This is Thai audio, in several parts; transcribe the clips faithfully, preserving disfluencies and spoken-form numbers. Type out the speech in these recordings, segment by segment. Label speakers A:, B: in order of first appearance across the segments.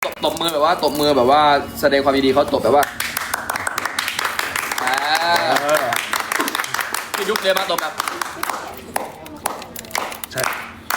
A: ตบตบมือแบบว่าตบมือแบบว่าแสดงความยินดีเขาตบแบบว่าอ่าพี่ยุบเลยมาตบแบบใช่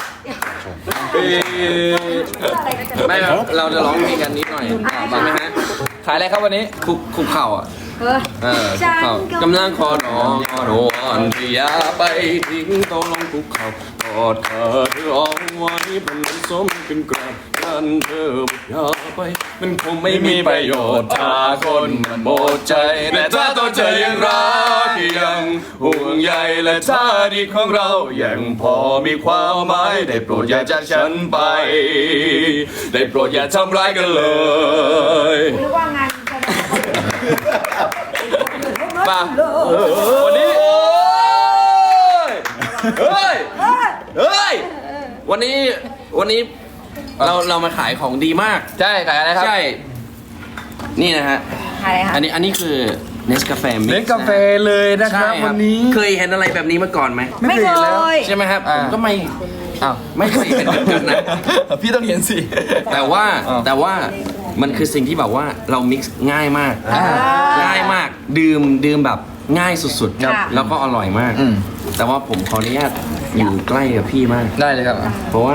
A: ไม่เราจะร้องเพลงกันนิดหน่อยใช่ไหมฮะขายอะไรครับวันนี้คุกคุกเข่าอ่ะเออคุกเข่ากำลังคอร้องคอร้อนที่อย่าไปทิ้งต้องลงคุกเข่ากอดเธอเธอเอาไว้เป็นน้ำส้มเป็นกราบกันเธออย่าไปมันคงไม่มีประโยชน์ถ้าคนมันโบใจแต่ถ้าตัวเธอยังรักยังห่วงใยและท่าดีของเรายังพอมีความหมายได้โปรดอย่าจากฉันไปได้โปรดอย่าทำร้ายกันเลย
B: หรือว่างานจะ
A: มาวันนี้เฮ้ยเฮ้ยวันนี้วันนี้เราเรามาขายของดีมากใช่ขายอะไรครับใช่นี่นะฮะ
B: อะไรคะ
A: อันนี้อันนี้คือเนสกาแฟมิกซ์
C: เล่นกาแฟเลยนะครับวันนี้
A: เคยเห็นอะไรแบบนี้มาก่อนไหม
B: ไม่เคย
A: ใช่ไหมครับผมก็ไม่
C: อ้าว
A: ไม่เคยเห็นเหมือนกันนะ
C: พี่ต้องเห็นสิ
A: แต่ว่า
C: อ้าว
A: แต่ว่ามันคือสิ่งที่แบบว่าเรามิกซ์ง่ายมาก
C: อ่า
A: ง่ายมากดื่มดื่มแบบง่ายสุด
B: ครับ
A: ๆแล้วก็อร่อยมาก
C: อืม
A: แต่ว่าผมขออนุญาตอยู่ใกล้กับพี่มาก
C: ได้เลยครับ
A: เพราะว่า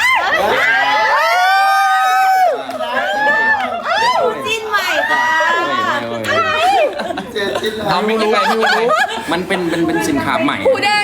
B: จิ้นใหม่ค่ะ
A: เอาไม่รู้ไงไม่รู้มันเป็นเป็นเป็นสินค้าใหม่
B: หูแดง